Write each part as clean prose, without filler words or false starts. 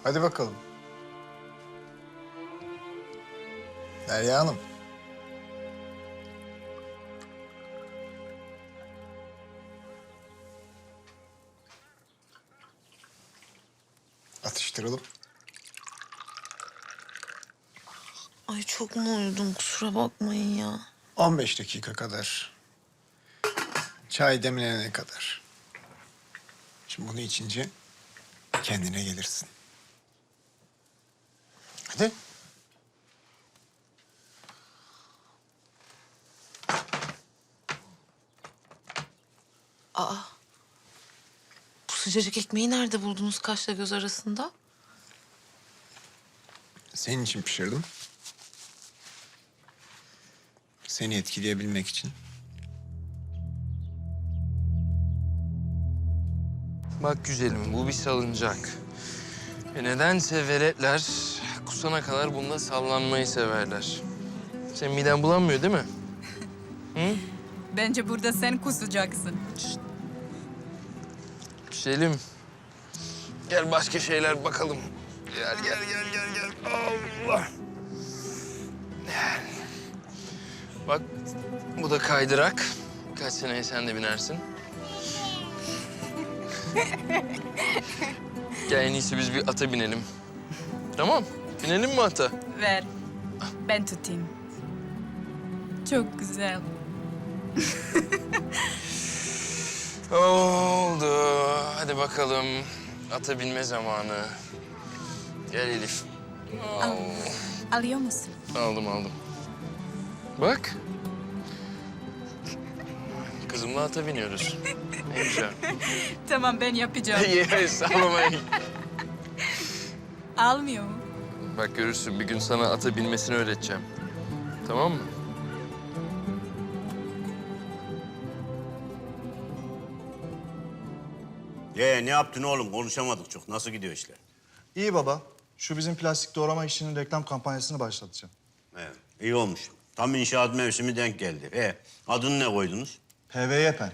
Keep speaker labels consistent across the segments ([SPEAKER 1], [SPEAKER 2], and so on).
[SPEAKER 1] Hadi bakalım. Derya Hanım. Atıştıralım.
[SPEAKER 2] Ay çok mu uyudum, kusura bakmayın ya.
[SPEAKER 1] 15 dakika kadar. Çay demlenene kadar. Şimdi bunu içince kendine gelirsin. Hadi.
[SPEAKER 2] Bu sıcacık ekmeği nerede buldunuz kaşla göz arasında?
[SPEAKER 1] Senin için pişirdim. Seni etkileyebilmek için.
[SPEAKER 3] Bak güzelim, bu bir salıncak. Ve nedense veletler kusana kadar bunda sallanmayı severler. Senin miden bulanmıyor değil mi? Hı?
[SPEAKER 4] Bence burada sen kusacaksın.
[SPEAKER 3] Güzelim. Gel başka şeyler bakalım. Gel. Allah. Gel. Bak bu da kaydırak. Birkaç seneye sen de binersin. Gel en iyisi biz bir ata binelim. Tamam. Binelim mi ata?
[SPEAKER 4] Ver. Ben tutayım. Çok güzel.
[SPEAKER 3] Oldu. Hadi bakalım. Ata binme zamanı. Gel Elif.
[SPEAKER 4] Alıyor musun?
[SPEAKER 3] Aldım. Bak. Kızımla ata biniyoruz. Ne güzel.
[SPEAKER 4] Tamam ben yapacağım.
[SPEAKER 3] Yes, sallamayın.
[SPEAKER 4] Almıyor mu?
[SPEAKER 3] Bak görürsün bir gün sana ata binmesini öğreteceğim. Tamam mı?
[SPEAKER 5] Ne yaptın oğlum? Konuşamadık çok. Nasıl gidiyor işler?
[SPEAKER 6] İyi baba. Şu bizim plastik doğrama işinin reklam kampanyasını başlatacağım.
[SPEAKER 5] İyi olmuş. Tam inşaat mevsimi denk geldi. Adını ne koydunuz?
[SPEAKER 6] PVY pen.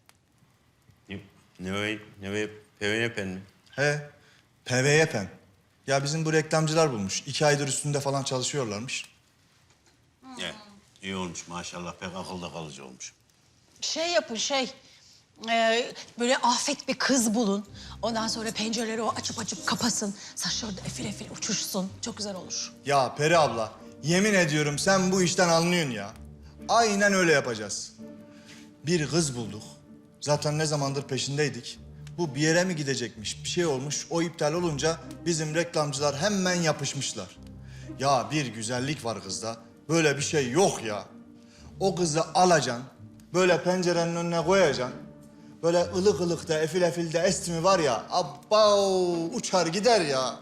[SPEAKER 5] Ne PVN mi?
[SPEAKER 6] He, PVY pen. Ya bizim bu reklamcılar bulmuş. 2 aydır üstünde falan çalışıyorlarmış.
[SPEAKER 5] İyi olmuş maşallah. Pek akılda kalıcı olmuş.
[SPEAKER 7] Şey yapın böyle afet bir kız bulun. Ondan sonra pencereleri o açıp kapasın. Saçları da efil efil uçuşsun. Çok güzel olur.
[SPEAKER 6] Ya Peri abla, yemin ediyorum sen bu işten anlıyorsun ya. Aynen öyle yapacağız. Bir kız bulduk. Zaten ne zamandır peşindeydik. Bu bir yere mi gidecekmiş, bir şey olmuş. O iptal olunca bizim reklamcılar hemen yapışmışlar. Ya bir güzellik var kızda. Böyle bir şey yok ya. O kızı alacaksın, böyle pencerenin önüne koyacaksın. Böyle ılık ılık da efil efil de esti mi var ya, abbao uçar gider ya.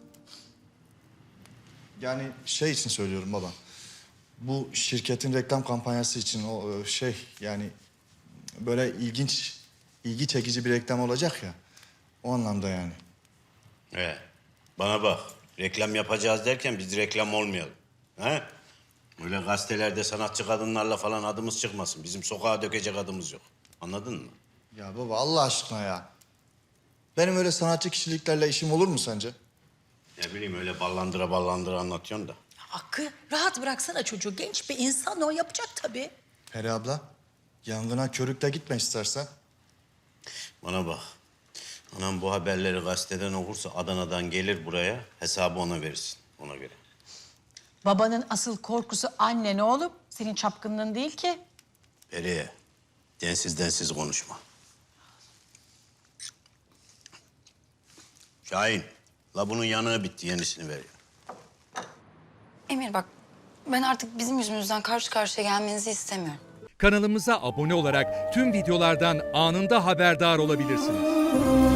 [SPEAKER 6] Yani şey için söylüyorum baba. Bu şirketin reklam kampanyası için o yani böyle ilgi çekici bir reklam olacak ya. O anlamda yani.
[SPEAKER 5] Bana bak. Reklam yapacağız derken biz reklam olmayalım. Ha? Öyle gazetelerde sanatçı kadınlarla falan adımız çıkmasın. Bizim sokağa dökecek adımız yok. Anladın mı?
[SPEAKER 6] Ya baba Allah aşkına ya. Benim öyle sanatçı kişiliklerle işim olur mu sence?
[SPEAKER 5] Ne bileyim öyle ballandıra anlatıyorsun da.
[SPEAKER 7] Hakkı rahat bıraksana çocuğu. Genç bir insan o yapacak tabii.
[SPEAKER 6] Peri abla, yangına körükle gitme istersen.
[SPEAKER 5] Bana bak. Anam bu haberleri gazeteden okursa Adana'dan gelir buraya. Hesabı ona verirsin. Ona göre.
[SPEAKER 7] Babanın asıl korkusu annen oğlum. Senin çapkınlığın değil ki.
[SPEAKER 5] Periye, densiz konuşma. Şahin, la bunun yanığı bitti. Yenisini ver ya.
[SPEAKER 8] Emir bak, ben artık bizim yüzümüzden karşı karşıya gelmenizi istemiyorum.
[SPEAKER 9] Kanalımıza abone olarak tüm videolardan anında haberdar olabilirsiniz.